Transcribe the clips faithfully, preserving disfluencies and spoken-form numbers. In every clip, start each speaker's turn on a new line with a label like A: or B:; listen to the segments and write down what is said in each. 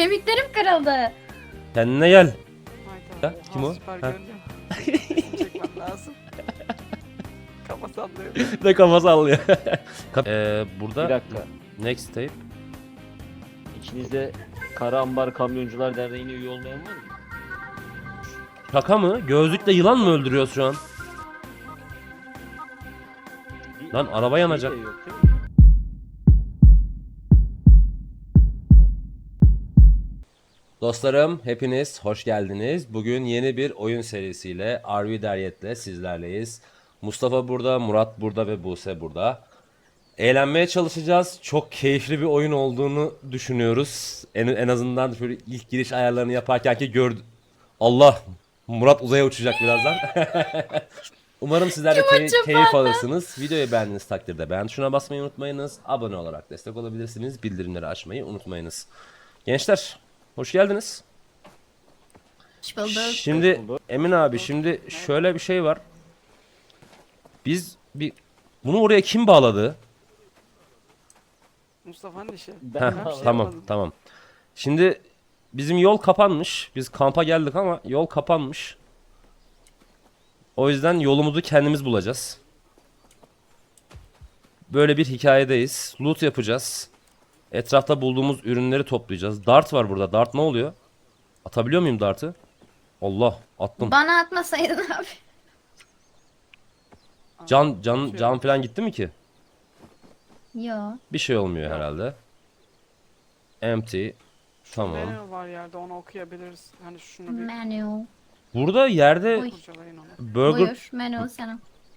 A: Kemiklerim kırıldı.
B: Kendine gel.
C: Hayda.
B: Ha, kim o?
C: Süper
B: Ha.
C: görünüyor. Çekmem lazım. Kafa sallıyor.
B: Ne kafa sallıyor. ee, burada
D: Bir dakika.
B: next tape.
D: İçinizde Kara Ambar Kamyoncular Derneği'ne üye olmayan var mı?
B: Şaka mı? Gözlükle yılan mı öldürüyoruz şu an?
D: Bir-
B: Lan araba yanacak.
D: Şey de yok değil mi?
B: Dostlarım hepiniz hoş geldiniz. Bugün yeni bir oyun serisiyle R V Deryet'le sizlerleyiz. Mustafa burada, Murat burada ve Buse burada. Eğlenmeye çalışacağız. Çok keyifli bir oyun olduğunu düşünüyoruz. En, en azından şöyle ilk giriş ayarlarını yaparken ki gördüm. Allah! Murat uzaya uçacak birazdan. Umarım sizler de key- keyif alırsınız. Videoyu beğendiğiniz takdirde beğen tuşuna basmayı unutmayınız. Abone olarak destek olabilirsiniz. Bildirimleri açmayı unutmayınız. Gençler, hoş geldiniz.
A: Hoş bulduk.
B: Şimdi Emin abi, şimdi şöyle bir şey var. Biz bir bunu oraya kim bağladı?
C: Mustafa'nın işi.
D: Ben
B: Heh,
D: ne yapayım?
B: tamam
C: yapmadım.
B: tamam. Şimdi bizim yol kapanmış. Biz kampa geldik ama yol kapanmış. O yüzden yolumuzu kendimiz bulacağız. Böyle bir hikayedeyiz. Loot yapacağız. Etrafta bulduğumuz ürünleri toplayacağız. Dart var burada. Dart ne oluyor? Atabiliyor muyum dartı? Allah, attım.
A: Bana atmasaydın abi.
B: Can can can falan gitti mi ki?
A: Yo.
B: Bir şey olmuyor
C: Yok.
B: herhalde. Empty.
C: Şu
B: Tamam.
C: menü var yerde, onu okuyabiliriz. Hani şunu bir
A: Menü.
B: Burada yerde
A: Oy.
C: kurcalayın onu.
B: burger
A: Buyur. Menü sana.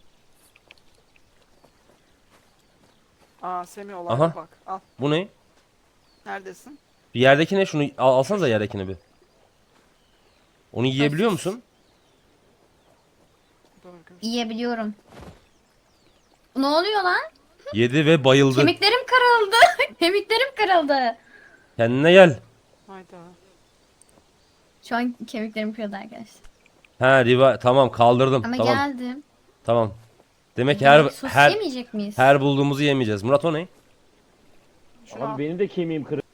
C: Aa Semih
B: Aha.
C: olaydı bak. Al.
B: bu ne?
C: Neredesin?
B: Bir yerdeki ne? Şunu al, alsanıza yerdekini bir. Onu yiyebiliyor
A: Sus.
B: musun?
C: Burger.
A: Yiyebiliyorum. Ne oluyor lan?
B: Yedi ve bayıldı.
A: Kemiklerim kırıldı. Kemiklerim kırıldı.
B: Kendine gel.
C: Hayda.
A: Şu an kemiklerim kırıldı arkadaşlar.
B: Ha riva tamam kaldırdım.
A: Ama
B: tamam.
A: geldim.
B: Tamam. Demek ki her
A: Sos
B: her
A: yemeyecek miyiz?
B: her bulduğumuzu yemeyeceğiz. Murat o ne?
C: Şunu al.
D: Abi benim de kemiğim kırık.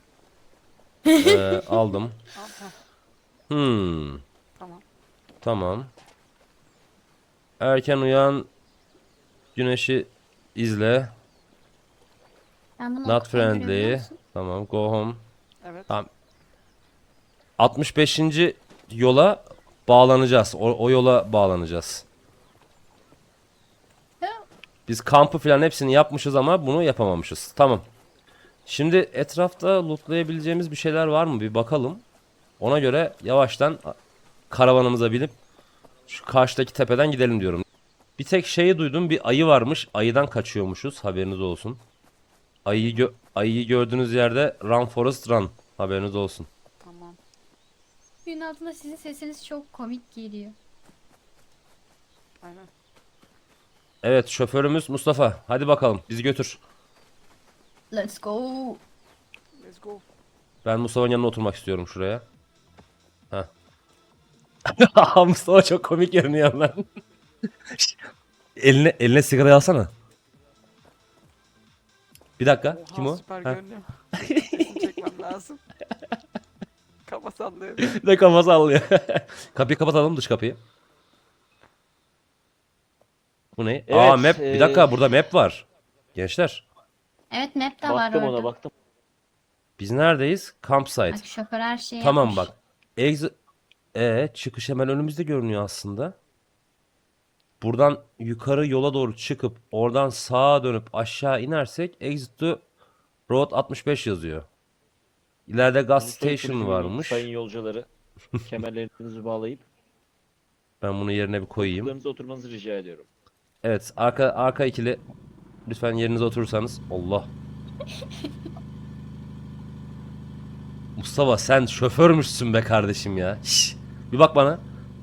B: Ee, aldım.
C: Al. Heh,
B: Hmm.
C: tamam.
B: Tamam. Erken uyan. Güneşi izle.
A: Ben bunu
B: Not
A: okuyayım,
B: friendly.
A: görebiliyor musun?
B: Tamam. Go home.
C: Evet.
B: Tamam. altmış beşinci yola bağlanacağız. O, o yola bağlanacağız.
A: Ya,
B: Biz kampı falan hepsini yapmışız ama bunu yapamamışız. Tamam. Şimdi etrafta lootlayabileceğimiz bir şeyler var mı? Bir bakalım. Ona göre yavaştan karavanımıza binip şu karşıdaki tepeden gidelim diyorum. Bir tek şeyi duydum. Bir ayı varmış. Ayıdan kaçıyormuşuz. Haberiniz olsun. Ayıyı, gö ayıyı gördüğünüz yerde run Forest run. Haberiniz olsun.
C: Tamam.
A: Suyun altında sizin sesiniz çok komik geliyor.
C: Aynen.
B: Evet, şoförümüz Mustafa. Hadi bakalım bizi götür.
A: Let's go.
C: Let's go.
B: Ben Mustafa'nın yanına oturmak istiyorum şuraya. Heh. Mustafa çok komik görünüyor lan. eline eline sigara alsana. Bir dakika.
C: Oha,
B: Kim o?
C: süper
B: Ha.
C: görünüyor. Sesini çekmem lazım. Kafa sallıyor.
B: Ne kafa sallıyor. Kapıyı kapatalım, dış kapıyı. Bu ne?
D: Evet,
B: Aa map. Bir dakika,
D: ee,
B: burada map var. Gençler.
A: Evet map de var
D: Baktım
A: orada.
D: ona baktım.
B: Biz neredeyiz? Campsite.
A: Bak şoför her şeyi
B: Tamam
A: yapmış.
B: bak. Exit e çıkış hemen önümüzde görünüyor aslında. Buradan yukarı yola doğru çıkıp oradan sağa dönüp aşağı inersek exit to road altmış beş yazıyor. İleride gas
D: Lütfen
B: station
D: kulübü
B: varmış.
D: Sayın yolcuları kemerlerinizi bağlayıp
B: Ben bunu yerine bir koyayım.
D: koltuklarınıza oturmanızı rica ediyorum.
B: Evet, arka arka ikili lütfen yerinize oturursanız. Allah. Mustafa sen şoförmüşsün be kardeşim ya. Şş, bir bak bana.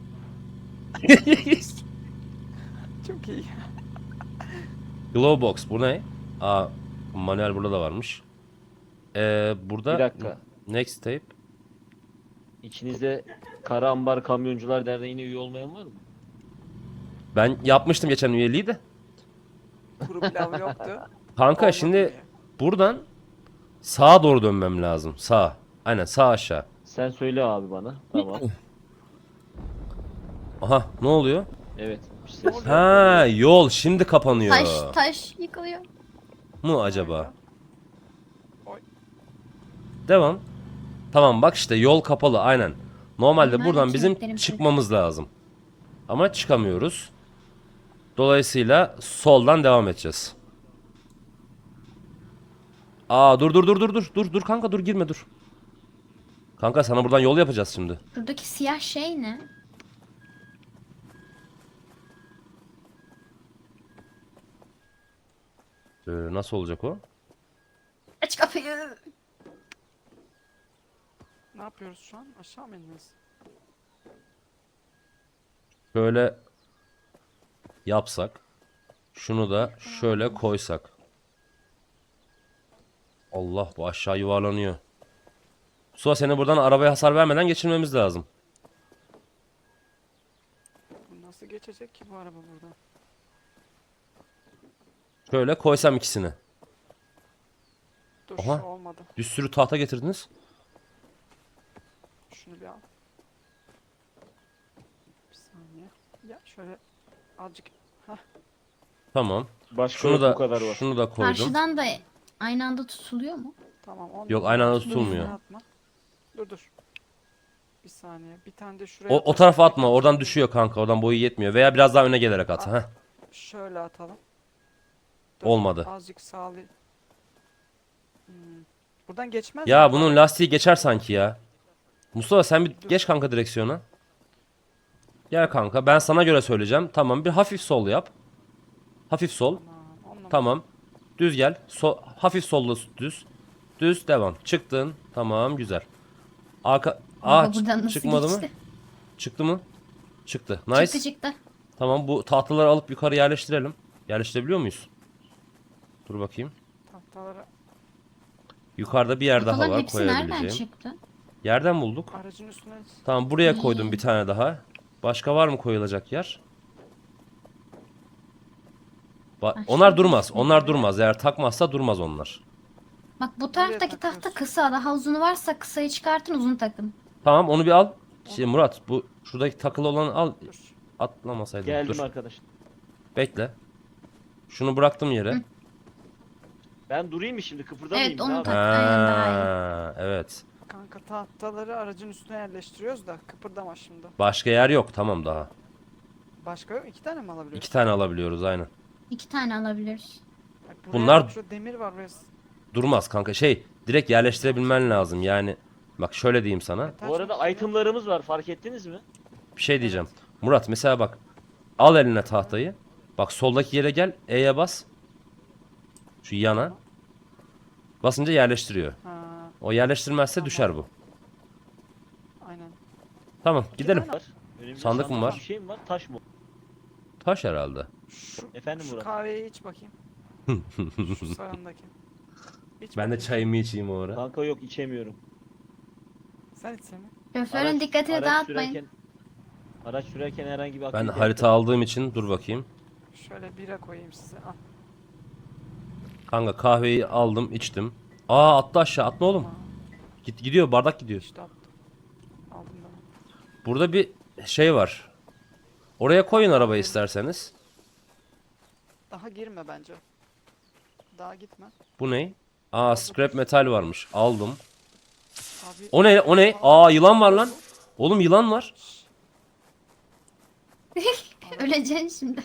C: Çok iyi.
B: Glowbox bu ne? Aa, manuel burada da varmış. Ee, burada
D: Bir dakika.
B: next tape.
D: İçinizde Kara Ambar Kamyoncular Derneği'ne üye olmayan var mı?
B: Ben yapmıştım geçen üyeliği de.
C: Kuru pilav yoktu.
B: Kanka
C: Olmadı
B: şimdi
C: diye.
B: buradan sağa doğru dönmem lazım. Sağ. Aynen sağ aşağı.
D: Sen söyle abi bana. Tamam.
B: Aha ne oluyor?
D: Evet. Bir ses.
C: oluyor?
B: Ha yol şimdi kapanıyor.
A: Taş taş yıkılıyor.
B: Mu acaba?
C: Oy.
B: Devam. Tamam bak işte yol kapalı aynen. Normalde
A: Bunlar
B: buradan
A: da
B: bizim
A: kilitlerim
B: çıkmamız lazım. Ama çıkamıyoruz. Dolayısıyla soldan devam edeceğiz. Aa dur dur dur dur dur dur dur kanka dur girme dur. Kanka sana buradan yol yapacağız şimdi.
A: Buradaki siyah şey ne?
B: Ee, nasıl olacak o?
A: Aç kapıyı.
C: Ne yapıyoruz şu an? Aşağı mı iniyoruz?
B: Şöyle yapsak. Şunu da şöyle koysak. Allah bu aşağı yuvarlanıyor. Suha seni buradan arabaya hasar vermeden geçirmemiz lazım.
C: Bu nasıl geçecek ki bu araba burada?
B: Şöyle koysam ikisini.
C: Dur
B: Aha.
C: şu olmadı.
B: Bir sürü tahta getirdiniz.
C: Şunu bir al. Bir saniye. Ya şöyle azıcık. Hah.
B: Tamam.
D: Başka
B: Şunu
D: yok,
B: da
D: bu kadar var.
B: şunu da koydum.
A: Karşıdan da aynı anda tutuluyor mu?
C: Tamam. On
B: Yok,
C: numara.
B: aynı anda
C: Şunu
B: tutulmuyor.
C: üstüne atma. Dur dur. Bir saniye. Bir tane de şuraya
B: O, o
C: atalım.
B: tarafa atma. Oradan düşüyor kanka. Oradan boyu yetmiyor. Veya biraz daha öne gelerek at. Heh.
C: Şöyle atalım. Dur,
B: Olmadı.
C: Azıcık sağlı. Hmm. Buradan geçmez
B: Ya
C: mi?
B: bunun lastiği geçer sanki ya. Mustafa sen bir
C: Dur.
B: geç kanka direksiyona. Gel kanka. Ben sana göre söyleyeceğim. Tamam. Bir hafif sol yap. Hafif sol.
C: Tamam. on numara.
B: Tamam. Düz gel. So hafif solla düz. Düz devam. Çıktın. Tamam güzel. Arka Aa
A: Baba buradan
B: çık-
A: nasıl
B: çıkmadı mı?
A: geçti?
B: Çıktı mı? Çıktı. Nice.
A: Çıktı çıktı.
B: Tamam bu tahtaları alıp yukarı yerleştirelim. Yerleştirebiliyor muyuz? Dur bakayım.
C: Tahtaları
B: Yukarıda bir yer daha
A: Kafaların
B: var
A: hepsi nereden
B: koyabileceğim.
A: çıktı?
B: Yerden bulduk.
C: aracın üstüne
B: Tamam buraya koydum bir tane daha. Başka var mı koyulacak yer? Ba-
A: Aşağı
B: onlar durmaz.
A: düşmüyor.
B: Onlar durmaz. Eğer takmazsa durmaz onlar.
A: Bak bu taraftaki tahta
C: takıyorsun?
A: kısa. Daha uzunu varsa kısayı çıkartın, uzun takın.
B: Tamam onu bir al. Şey, Murat bu şuradaki takılı olanı al.
C: dur.
B: Atlamasaydın.
D: Geldim
B: Dur.
D: arkadaş.
B: Bekle. Şunu bıraktım yere.
A: Hı.
D: Ben durayım mı şimdi? Kıpırdamayayım.
A: Evet,
D: ne
A: onu
D: yapayım?
A: tak. Aynen, daha iyi.
B: Ha, evet.
C: Kanka tahtaları aracın üstüne yerleştiriyoruz da kıpırdama şimdi.
B: Başka yer yok. Tamam daha.
C: Başka yok. İki tane mi alabiliyoruz?
B: İki tane alabiliyoruz aynen.
A: İki tane alabiliriz.
C: Bak buraya
B: Bunlar-
C: bak, şu demir var buraya.
B: Durmaz kanka. Şey direkt yerleştirebilmen lazım. Yani bak şöyle diyeyim sana.
C: Taş
D: Bu arada
C: mı?
D: itemlarımız var, fark ettiniz mi?
B: Bir şey diyeceğim. Murat mesela bak. Al eline tahtayı. Bak soldaki yere gel. E'ye bas. Şu yana. Basınca yerleştiriyor.
C: Ha,
B: O yerleştirmezse
C: Tamam.
B: düşer bu.
C: aynen.
B: Tamam gidelim.
D: Var. Önümde
B: Sandık mı var?
D: Bir şey mi var? Taş mı?
B: Taş herhalde.
C: Şu,
D: Efendim
C: şu
D: Murat?
C: kahveyi iç bakayım. Şu sağındaki. İç
B: Ben de
C: bakayım.
B: çayımı içeyim o ara.
D: Kanka yok, içemiyorum.
C: Sen içsene.
A: Şoförün
D: Araç-
A: dikkatini
D: araç
A: dağıtmayın.
D: sürerken- Araç sürerken herhangi bir
B: Ben
D: aktivite
B: harita aldığım için dur bakayım.
C: Şöyle bira koyayım size. Al.
B: Kanka kahveyi aldım içtim. Aa attı aşağı atma oğlum.
C: Tamam,
B: Git gidiyor bardak gidiyor.
C: İşte attım. Aldım ben.
B: Burada bir şey var. Oraya koyun arabayı isterseniz.
C: Daha girme bence. Daha gitme.
B: Bu ne? Aa scrap metal varmış. Aldım.
C: Abi.
B: O ne? O ne? Aa yılan var lan. Oğlum yılan var.
A: Öleceksin şimdi.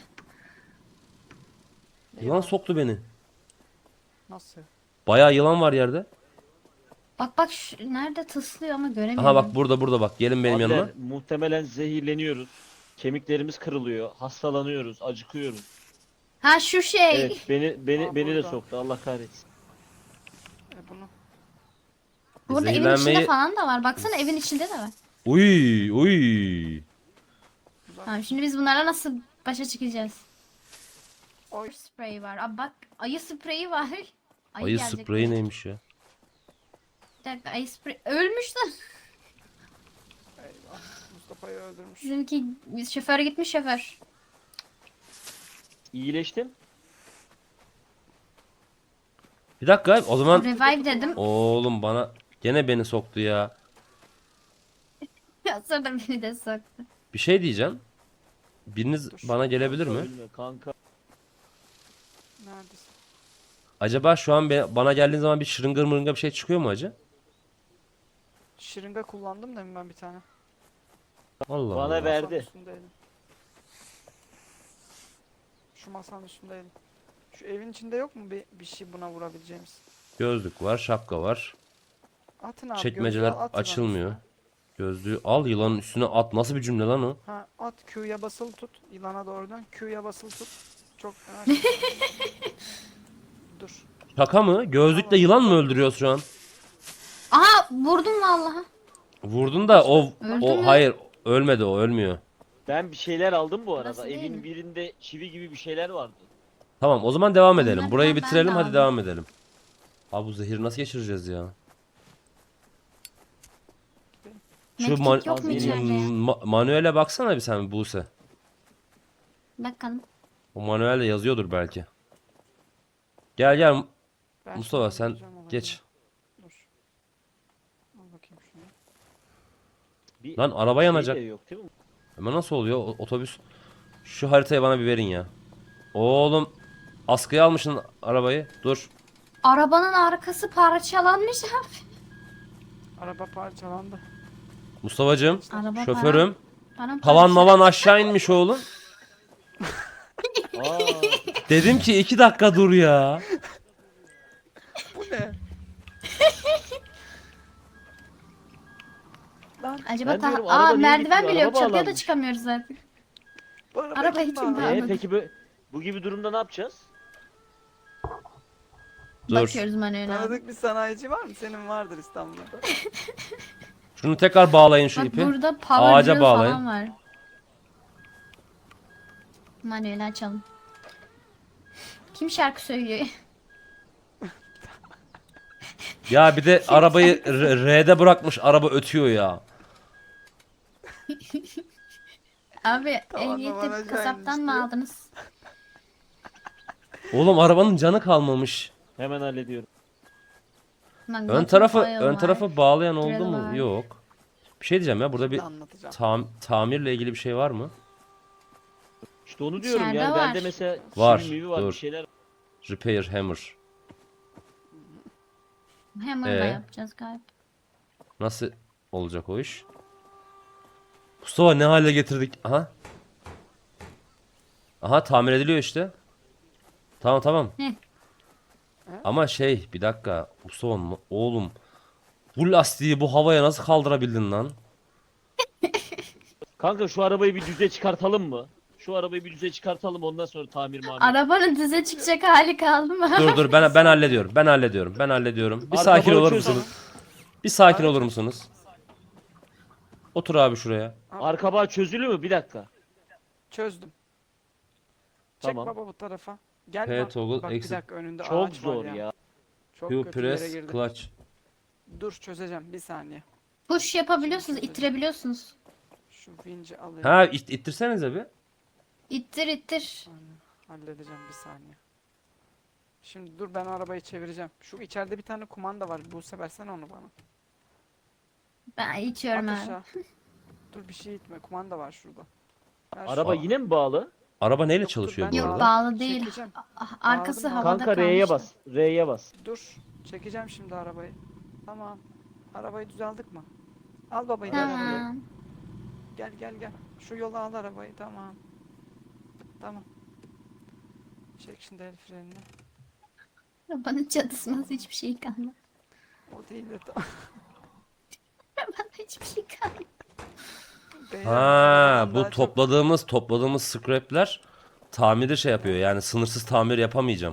C: Ne
B: Yılan
C: var?
B: soktu beni.
C: Nasıl?
B: Bayağı yılan var yerde.
A: Bak bak şu, nerede tıslıyor ama göremiyorum.
B: Aha bak burada burada bak. Gelin benim
D: Abiler,
B: yanıma.
D: muhtemelen zehirleniyoruz. Kemiklerimiz kırılıyor, hastalanıyoruz, acıkıyoruz.
A: Ha şu şey.
D: Evet, beni beni
C: Aa,
D: beni de
C: burada.
D: soktu. Allah kahretsin.
C: E bunu.
A: Burada evin
B: Zehirlenmeyi-
A: içinde falan da var. Baksana evin içinde de var.
B: Uy uy.
A: Tamam şimdi biz bunlarla nasıl başa çıkacağız?
C: Oy.
A: Spreyi var. Aa, bak ayı spreyi var. Ayı,
B: Ayı
A: gelecek.
B: spreyi neymiş ya?
A: Bir dakika ayı spreyi. Ölmüşler.
C: Eyvah. Mustafa'yı öldürmüş.
A: Bizimki şoför gitmiş şoför.
D: İyileştim.
B: Bir dakika o zaman
A: Revive dedim.
B: oğlum bana Gene beni soktu ya.
A: Ya sonra beni de soktu.
B: Bir şey diyeceğim. Biriniz
C: Dur.
B: bana gelebilir mi?
D: Ölme kanka.
C: Neredesin?
B: Acaba şu an be- bana geldiğin zaman bir şırıngır mırınga bir şey çıkıyor mu acı?
C: Şırınga kullandım da ben bir tane.
B: Allah
D: Bana
B: Allah.
D: ver.
C: Masanın
D: Verdi.
C: üstündeydim. Şu masanın üstündeydim. Şu evin içinde yok mu bir, bir şey buna vurabileceğimiz?
B: Gözlük var, şapka var.
C: Atın abi.
B: Çekmeceler
C: gözlüğü at yılanın
B: açılmıyor.
C: üstüne.
B: Gözlüğü al, yılanın üstüne at. Nasıl bir cümle lan o?
C: Ha at Q'ya basılı tut. Yılana doğru dön. Q'ya basılı tut. Çok yavaş. Dur.
B: Şaka mı? Gözlükle yılan mı öldürüyoruz şu an?
A: Aha vurdum vallahi.
B: Vurdun da o
A: Öldü
B: o
A: mü?
B: hayır, ölmedi, o ölmüyor.
D: Ben bir şeyler aldım bu arada.
A: Burası değil
D: Evin
A: mi?
D: birinde çivi gibi bir şeyler vardı.
B: Tamam, o zaman devam edelim.
A: Onları
B: Burayı
A: ben de
B: bitirelim, hadi
A: aldım.
B: devam edelim. Abi bu zehiri nasıl geçireceğiz ya? Şu
A: Medkit
B: man-
A: yok mu
D: m-
A: içeride ya?
B: ma- manuele baksana bir sen Buse.
A: Bakalım.
B: O manuelde yazıyordur belki. Gel gel
C: Ben
B: Mustafa,
C: şunu
B: sen
C: bulacağım ona
B: geç.
C: göre. Dur. Al bakayım şunu.
D: Bir
B: Lan araba
D: şey
B: yanacak.
D: de yok değil mi?
B: Ama nasıl oluyor o- otobüs? Şu haritayı bana bir verin ya. Oğlum, askıya almışsın arabayı. Dur.
A: Arabanın arkası parçalanmış abi.
C: Araba parçalandı.
B: Mustafa'cığım,
A: Araba
B: şoförüm.
A: Param
B: Havan mavan aşağı inmiş oğlum.
D: Aa,
B: Dedim ki iki dakika dur ya.
C: Bu ne? Lan
A: Acaba
D: Ben
A: ta-
D: diyorum,
A: Aa
D: araba niye
A: merdiven
D: gitmiyor?
A: bile yok.
D: Araba
A: Çatıya da
D: bağlanmış.
A: çıkamıyoruz zaten.
C: bu araba
A: Arabayı
C: kim
A: kim
C: bağladı?
A: bağladı?
D: ee, peki bu, bu gibi durumda ne yapacağız?
B: Dur.
A: Bakıyoruz manuel abi.
C: Tanıdık bir sanayici var mı? Senin vardır İstanbul'da.
B: Şunu tekrar bağlayın şu
A: Bak
B: ipi.
A: burada power
B: Ağaca
A: drill
B: bağlayın.
A: falan var. Manuel açalım. Kim şarkı söylüyor?
B: Ya bir de arabayı R- R'de bırakmış, araba ötüyor ya.
A: Abi
C: Tamam,
A: ehliyeti
C: tamam, aşağı
A: kasaptan mı
C: inmişti.
A: aldınız?
B: Oğlum arabanın canı kalmamış.
D: Hemen hallediyorum.
A: Lan
B: Ön
A: Gotham
B: tarafı
A: Oil
B: ön
A: var.
B: tarafı bağlayan oldu
A: Drill
B: mu?
A: var.
B: Yok. Bir şey diyeceğim ya, burada bir
C: Şimdi anlatacağım.
B: tam tamirle ilgili bir şey var mı?
D: İşte onu diyorum
A: İçeride
D: yani.
A: var.
D: Bende mesela
B: Var,
D: çivi mivi var,
B: dur.
D: bir şeyler.
B: Repair hammer.
A: Hammer'la
B: Ee?
A: yapacağız galiba.
B: Nasıl olacak o iş? Mustafa ne hale getirdik? Aha. Aha, tamir ediliyor işte. Tamam tamam.
A: Heh.
B: Ama şey, bir dakika. Mustafa m- oğlum, bu lastiği bu havaya nasıl kaldırabildin lan?
D: Kanka şu arabayı bir düze çıkartalım mı? Şu arabayı bir düze çıkartalım, ondan sonra tamir mamir.
A: Arabanın düze çıkacak hali kaldı mı?
B: Dur dur, ben ben hallediyorum. Ben hallediyorum. Ben hallediyorum. Bir
D: Arka
B: sakin olur
D: boyu çöz
B: musunuz? Bir sakin olur musunuz? Otur abi şuraya.
D: Arka bağ çözülü mü? Bir dakika.
C: Çözdüm. Çek
D: Tamam.
C: baba bu tarafa. Gel
B: P
C: bak.
B: toggle
C: Bak bir
B: exit.
C: dakika önünde
D: Çok
C: ağaç
D: zor
C: var
D: ya.
C: Çok
B: Q
C: kötü bir yere
B: press
C: girdi.
B: clutch.
C: Dur çözeceğim bir saniye.
A: Push yapabiliyorsunuz, ittirebiliyorsunuz.
C: Şu vinci alayım.
B: Ha, it, ittirsenize bir.
A: İttir ittir.
C: Halledeceğim bir saniye. Şimdi dur ben arabayı çevireceğim. Şu içeride bir tane kumanda var. Buse versene onu bana.
A: Ben itiyorum
C: At
A: abi.
C: aşağı. Dur bir şey itme. Kumanda var şurada. Ver şu-
D: Araba yine mi bağlı?
B: Araba neyle
C: Yok, dur,
B: çalışıyor
C: ben
B: bu
A: Yok
B: arada?
A: bağlı değil.
C: Çekeceğim.
A: Ah, Arkası
C: Bağladım.
A: havada
D: Kanka R'ye
A: kalmıştı.
D: bas. R'ye bas.
C: Dur. Çekeceğim şimdi arabayı. Tamam. Arabayı düzeldik mi? Al babayı gel arabaya.
A: Tamam.
C: Gel gel gel. Şu yola al arabayı. Tamam. Tamam. Çek şimdi el frenini.
A: Arabanın çatısında hiçbir şey kalmadı.
C: O değil de tamam.
A: Arabada hiçbir şey kalmadı.
C: Beyler,
B: Ha,
C: arabadan
B: bu
C: daha çok-
B: topladığımız topladığımız scrapler tamiri şey yapıyor. Yani sınırsız tamir yapamayacağım.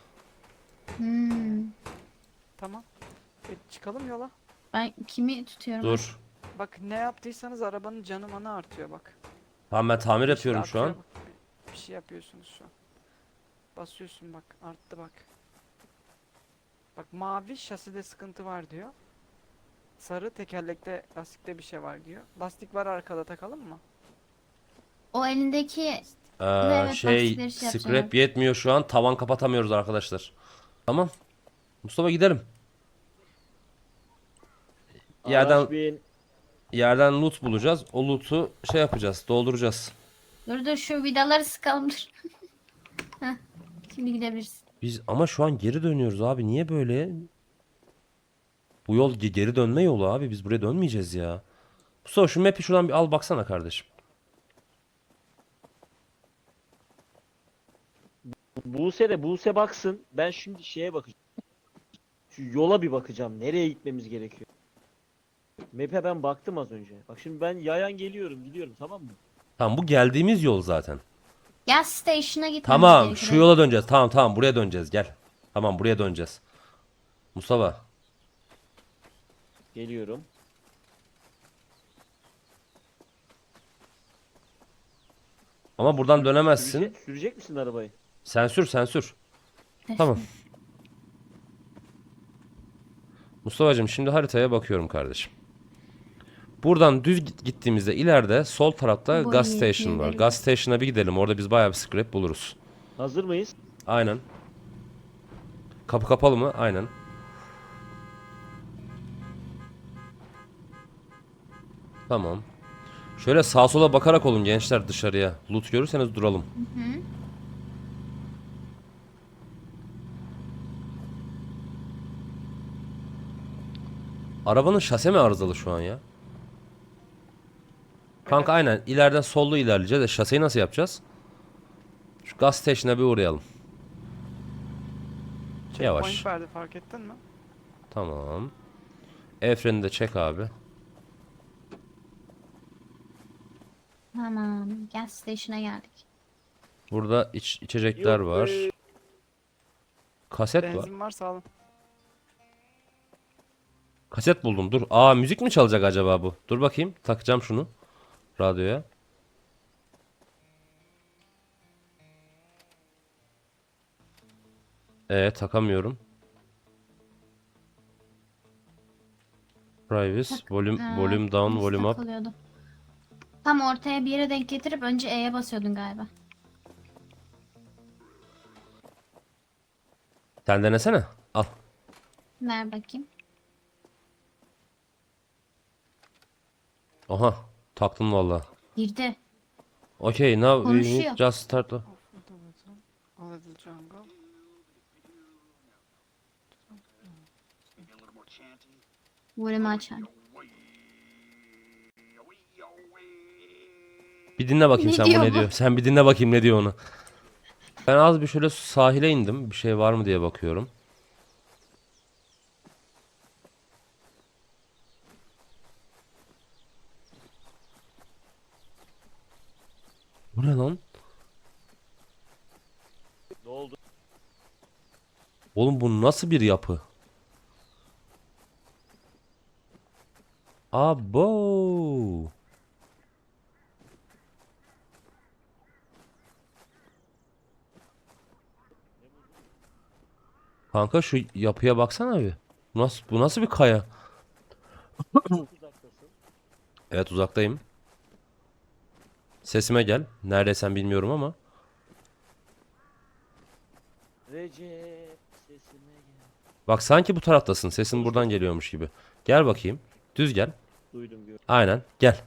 A: Hmm.
C: Tamam. E, çıkalım yola.
A: Ben kimi tutuyorum?
B: Dur.
C: Bak ne yaptıysanız arabanın canı manı artıyor bak.
B: Tamam, ben tamir
C: İşte
B: yapıyorum şu an.
C: artıyor bak. Bir- Bir şey yapıyorsunuz şu an. Basıyorsun bak arttı bak. Bak mavi şaside sıkıntı var diyor. Sarı tekerlekte lastikte bir şey var diyor. Lastik var arkada takalım mı?
A: O elindeki
B: Ee,
A: Evet,
B: şey
A: lastikleri şey yapacağım
B: scrap
A: abi.
B: yetmiyor şu an. Tavan kapatamıyoruz arkadaşlar. Tamam. Mustafa gidelim. yerden
D: Araç bin.
B: yerden loot bulacağız. O loot'u şey yapacağız, dolduracağız.
A: Dur dur şu vidaları sıkalım dur. Heh, şimdi gidebilirsin.
B: Biz ama şu an geri dönüyoruz abi. Niye böyle? Bu yol ge- geri dönme yolu abi. Biz buraya dönmeyeceğiz ya. Mustafa şu map'i şuradan bir al baksana kardeşim.
D: Buse de Buse baksın. Ben şimdi şeye bakacağım. Şu yola bir bakacağım. Nereye gitmemiz gerekiyor? Map'e ben baktım az önce. Bak şimdi ben yayan geliyorum, gidiyorum, tamam mı?
B: Tamam, bu geldiğimiz yol zaten.
A: Gas station'a gitmemiz
B: Tamam,
A: gerekiyor.
B: şu yola döneceğiz. Tamam tamam, buraya döneceğiz, gel. Tamam, buraya döneceğiz. Mustafa.
D: Geliyorum.
B: Ama buradan dönemezsin.
D: Sürecek, sürecek misin arabayı?
B: Sen sür sen sür. Tamam. Mustafa'cığım şimdi haritaya bakıyorum kardeşim. Buradan düz git- gittiğimizde ileride sol tarafta
A: Boyu
B: gas station var.
A: yetmeyebilir.
B: Gas station'a bir gidelim. Orada biz bayağı bir scrap buluruz.
D: Hazır mıyız?
B: Aynen. Kapı kapalı mı? Aynen. Tamam. Şöyle sağa sola bakarak olun gençler dışarıya. Loot görürseniz duralım.
A: Hı.
B: Arabanın şase mi arızalı şu an ya? Kanka aynen ileriden sollu ilerleyeceğiz. E, şaseyi nasıl yapacağız? Şu gas station'a bir uğrayalım. Yavaş.
C: Checkpoint verdi, fark ettin mi?
B: Tamam. El freni de çek abi.
A: Tamam. Gas station'a geldik.
B: Burada iç, içecekler
D: Yok
B: var.
D: be.
B: Kaset var.
C: Benzin varsa alın.
B: Kaset buldum. Dur. Aa, müzik mi çalacak acaba bu? Dur bakayım. Takacağım şunu radyoya. Ee, takamıyorum. Privacy,
A: Tak-
B: volume,
A: Ee,
B: volume down,
A: nasıl
B: volume up.
A: takılıyordu? Tam ortaya bir yere denk getirip önce E'ye basıyordun galiba.
B: Sen denesene. Al.
A: Ver bakayım.
B: Aha. Taktım valla.
A: Girdi.
B: Okay, now we
A: Konuşuyor.
B: need just start. the-
C: All little jungle.
A: Volümü açar.
B: Bir dinle bakayım
A: Ne
B: sen bu
A: diyor
B: ne
A: bu?
B: diyor. Sen bir dinle bakayım ne diyor onu. Ben az bir şöyle sahile indim. Bir şey var mı diye bakıyorum. Bu ne lan?
D: Ne oldu?
B: Oğlum bu nasıl bir yapı? Abo. Kanka şu yapıya baksana bir. Bu nasıl, bu nasıl bir kaya?
D: Çok uzaktasın.
B: Evet, uzaktayım. Sesime gel. Neredeysen bilmiyorum ama.
D: Recep sesime gel.
B: Bak sanki bu taraftasın. Sesin buradan geliyormuş gibi. Gel bakayım. Düz gel.
D: Duydum gördüm.
B: Aynen. Gel.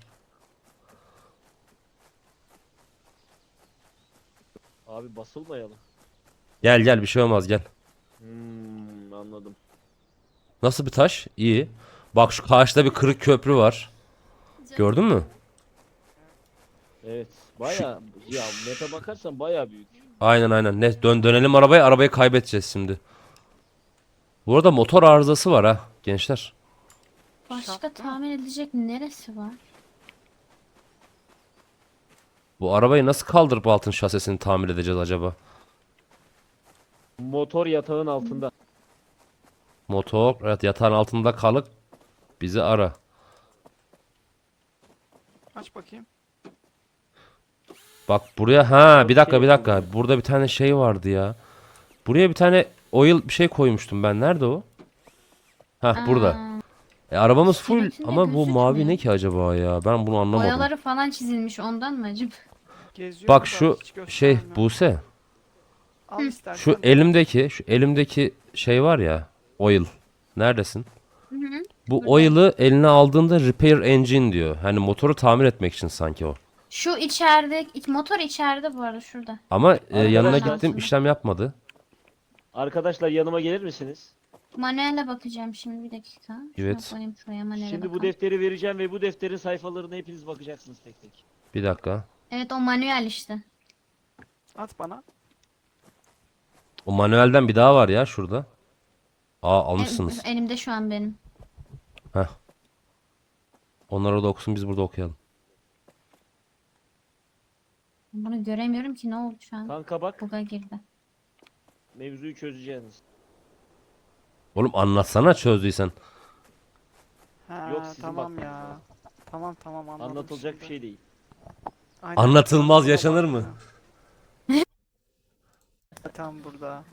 D: Abi basılmayalım.
B: Gel gel, bir şey olmaz, gel.
D: Hmm, anladım.
B: Nasıl bir taş? İyi. Bak şu karşıda bir kırık köprü var. Gördün mü?
D: Evet. Baya ya map'e bakarsan baya büyük.
B: Aynen aynen. Ne dön dönelim arabaya. Arabayı kaybedeceğiz şimdi. Bu arada motor arızası var ha gençler.
A: Başka
C: Şart mı?
A: tahmin edilecek neresi var?
B: Bu arabayı nasıl kaldırıp altın şasesini tamir edeceğiz acaba?
D: Motor yatağın altında.
B: Motor, evet, yatağın altında kalıp bizi ara.
C: Aç bakayım.
B: Bak buraya, ha bir dakika bir dakika. Burada bir tane şey vardı ya. Buraya bir tane oil bir şey koymuştum ben. Nerede o? Ha, burada.
A: Aa,
B: E, arabamız full
A: İçerisinde
B: ama bu mavi
A: gözükmüyor.
B: ne ki acaba ya? Ben bunu anlamadım.
A: boyaları falan çizilmiş ondan mı acaba?
C: Geziyor
B: Bak
C: burada,
B: şu
C: hiç
B: şey
C: göstermiyor.
B: Buse.
C: Al istersen.
B: Şu elimdeki, şu elimdeki şey var ya, oil. Neredesin?
A: Hı hı.
B: Bu
A: Burada.
B: oil'ı eline aldığında repair engine diyor. Hani motoru tamir etmek için sanki o.
A: Şu içeride iç- motor içeride bu arada şurada.
B: Ama e, yanına
D: Arkadaşlar-
B: gittim işlem yapmadı.
D: Arkadaşlar yanıma gelir misiniz?
A: Manuele bakacağım şimdi bir dakika. Şuna
B: Evet.
A: koyayım şuraya manuele
D: Şimdi bu
A: bakalım.
D: defteri vereceğim ve bu defterin sayfalarına hepiniz bakacaksınız tek tek.
B: Bir dakika.
A: Evet o manuel işte.
C: At bana.
B: O manuelden bir daha var ya şurada. Aa
A: E-
B: almışsınız.
A: elimde şu an benim.
B: Heh. Onlar orada okusun biz burada okuyalım.
A: Bunu göremiyorum ki ne oldu şu an.
D: Kanka bak,
A: Buga girdi.
D: mevzuyu çözeceğiniz.
B: Oğlum anlatsana çözdüysen.
C: Ha,
D: Yok, sizin
C: tamam
D: bakmanız
C: ya.
D: lazım.
C: Tamam tamam anladım
D: Anlatılacak bir
C: şimdi.
D: şey değil.
C: Aynen.
B: Anlatılmaz
C: Buna
B: yaşanır
C: bak
B: mı?
C: ya. Tam burada.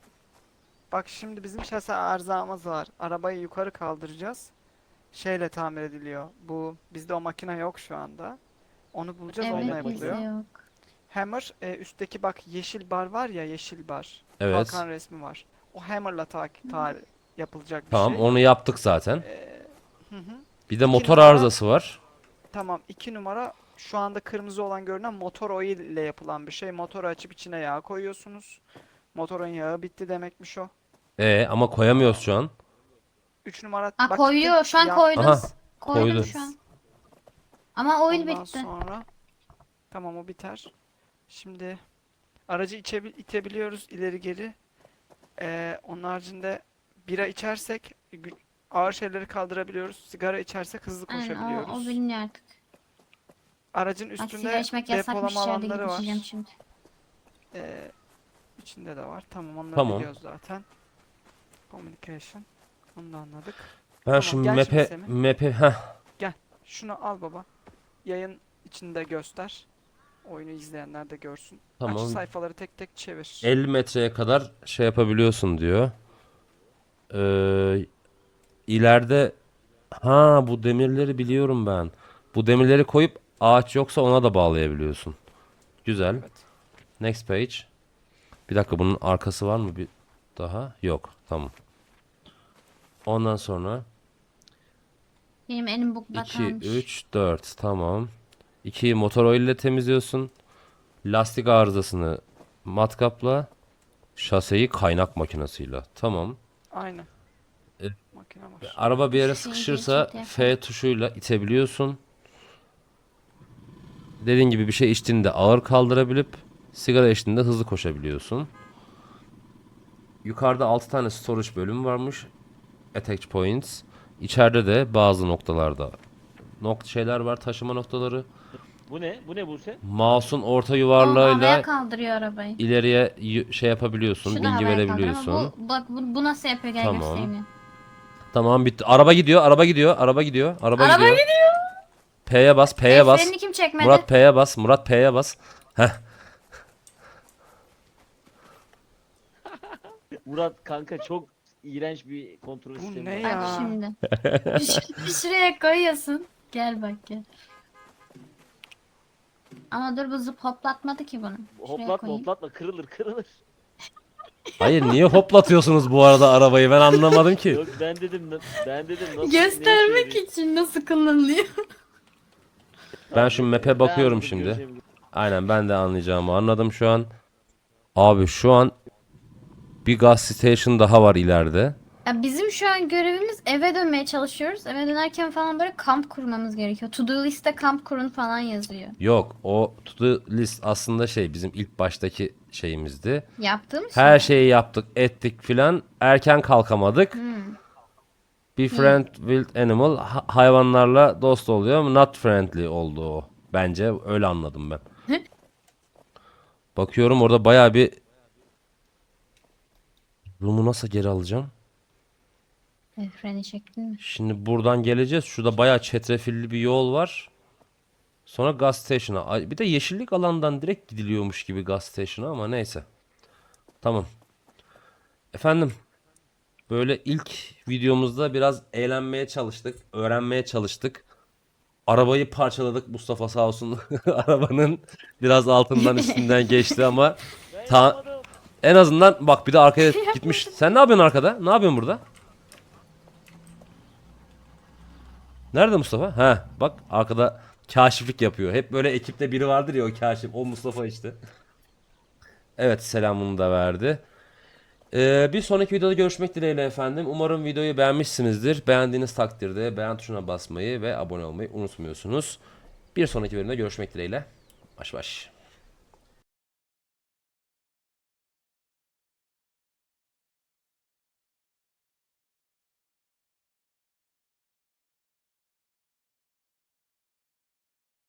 C: Bak şimdi bizim şase arızamız var. Arabayı yukarı kaldıracağız. Şeyle tamir ediliyor. Bu bizde o makine yok şu anda. Onu bulacağız, onunla
A: Evet bizde
C: yapılıyor.
A: yok.
C: Hammer e, üstteki bak yeşil bar var ya, yeşil bar.
B: Evet.
C: Kalkan resmi var. O hammer'la ta, ta yapılacak bir
B: Tamam
C: şey.
B: onu yaptık zaten.
C: Ee, hı hı.
B: Bir de
C: İki
B: motor
C: numara-
B: arızası var.
C: Tamam, iki numara şu anda kırmızı olan görünen motor oil ile yapılan bir şey. Motoru açıp içine yağ koyuyorsunuz. Motorun yağı bitti demekmiş o.
B: E ama koyamıyoruz şu an.
C: Üç numara
A: Ha
C: bak
A: koyuyor şu an
C: yap-
A: koydum.
B: Aha,
A: Koydum
B: koydu.
A: şu an. Ama oil
C: Ondan
A: bitti.
C: sonra tamam o biter. Şimdi aracı içebil itebiliyoruz ileri geri. Ee, onun haricinde bira içersek gü- ağır şeyleri kaldırabiliyoruz. Sigara içersek hızlı
A: Aynen o,
C: koşabiliyoruz.
A: o biliniyor artık.
C: Aracın
A: Bak sigara
C: üstünde
A: içmek yasakmış
C: depolama
A: yerde
C: alanları
A: gidip
C: var.
A: içeceğim şimdi.
C: Ee, içinde de var. Tamam onları
B: Tamam.
C: biliyoruz zaten. Communication. Onu da anladık.
B: Ben
C: Tamam,
B: şu
C: gel şimdi
B: map'e
C: Semih.
B: map'e heh.
C: Şunu al baba. Yayın içinde göster. Oyunu izleyenler de görsün.
B: Tamam.
C: Aç sayfaları tek tek çevir.
B: elli metreye kadar şey yapabiliyorsun diyor. Ee, ileride ha bu demirleri biliyorum ben. Bu demirleri koyup ağaç yoksa ona da bağlayabiliyorsun. Güzel.
C: Evet.
B: Next page. Bir dakika bunun arkası var mı bir daha? Yok. Tamam. Ondan sonra
A: Benim elim bukla
B: iki,
A: kalmış.
B: üç, dört. Tamam. ikiyi motor oil ile temizliyorsun. Lastik arızasını matkapla. Şaseyi kaynak makinesiyle. Tamam.
C: Aynen.
B: E,
C: Makine var.
B: Araba bir yere
A: Şu şeyi
B: sıkışırsa
A: geçirdi
B: F tuşuyla itebiliyorsun. Dediğin gibi bir şey içtiğinde ağır kaldırabilip sigara içtiğinde hızlı koşabiliyorsun. Yukarıda altı tane storage bölümü varmış. Attach points. İçeride de bazı noktalarda nokta şeyler var, taşıma noktaları.
D: Bu ne? Bu ne Buse?
B: Mouse'un orta
A: O havaya
B: yuvarlağıyla
A: kaldırıyor arabayı.
B: ileriye y- şey yapabiliyorsun,
A: Şu da
B: bilgi
A: havaya kaldırıyor
B: verebiliyorsun.
A: ama bu, bak bu, bu nasıl yapıyor gel
B: Tamam.
A: göstereyim ya.
B: Tamam bitti. Araba gidiyor, araba gidiyor, araba gidiyor, araba,
A: Araba
B: gidiyor. P'ye bas, P'ye
A: El
B: bas.
A: frenini kim çekmedi?
B: Murat P'ye bas, Murat P'ye bas. Heh.
D: Murat kanka çok iğrenç bir kontrol
C: Bu
D: sistemi
C: ne
D: var.
C: ya?
A: Bak şimdi. Bir şuraya koyuyorsun. Gel bak gel. Ama dur bu zıp hoplatmadı ki bunu. Şuraya
D: Hoplatma
A: koyayım.
D: hoplatma kırılır kırılır.
B: Hayır niye hoplatıyorsunuz bu arada arabayı ben anlamadım ki.
D: Yok ben dedim ben dedim nasıl ne
A: Göstermek
D: işe
A: için nasıl kullanılıyor.
B: Ben şu map'e
D: yarıyor?
B: bakıyorum
D: anladım,
B: şimdi.
D: göreceğim.
B: Aynen ben de anlayacağımı anladım şu an. Abi şu an bir gas station daha var ileride.
A: Ya bizim şu an görevimiz eve dönmeye çalışıyoruz. Eve dönerken falan böyle kamp kurmamız gerekiyor. To do liste kamp kurun falan yazıyor.
B: Yok o to do list aslında şey bizim ilk baştaki şeyimizdi.
A: Yaptığımız
B: Her
A: şey.
B: şeyi yaptık ettik filan erken kalkamadık.
A: Hmm.
B: Befriend wild animal ha- hayvanlarla dost oluyor ama not friendly oldu o. Bence öyle anladım ben. Bakıyorum orada bayağı bir Room'u nasıl geri alacağım?
A: El freni çektin mi?
B: Şimdi buradan geleceğiz. Şurada bayağı çetrefilli bir yol var. Sonra gas station'a. Ay, bir de yeşillik alandan direkt gidiliyormuş gibi gas station'a ama neyse. Tamam. Efendim. Böyle ilk videomuzda biraz eğlenmeye çalıştık. Öğrenmeye çalıştık. Arabayı parçaladık Mustafa sağ olsun. Arabanın biraz altından üstünden geçti ama
D: Ben
B: ta
D: yapmadım.
B: en azından bak bir de arkaya gitmiş. Sen ne yapıyorsun arkada? Ne yapıyorsun burada? Nerede Mustafa? Ha, bak arkada kaşiflik yapıyor. Hep böyle ekipte biri vardır ya, o kaşif. O Mustafa işte. Evet, selamını da verdi. Ee, bir sonraki videoda görüşmek dileğiyle efendim. Umarım videoyu beğenmişsinizdir. Beğendiğiniz takdirde beğen tuşuna basmayı ve abone olmayı unutmuyorsunuz. Bir sonraki bölümde görüşmek dileğiyle. Baş baş.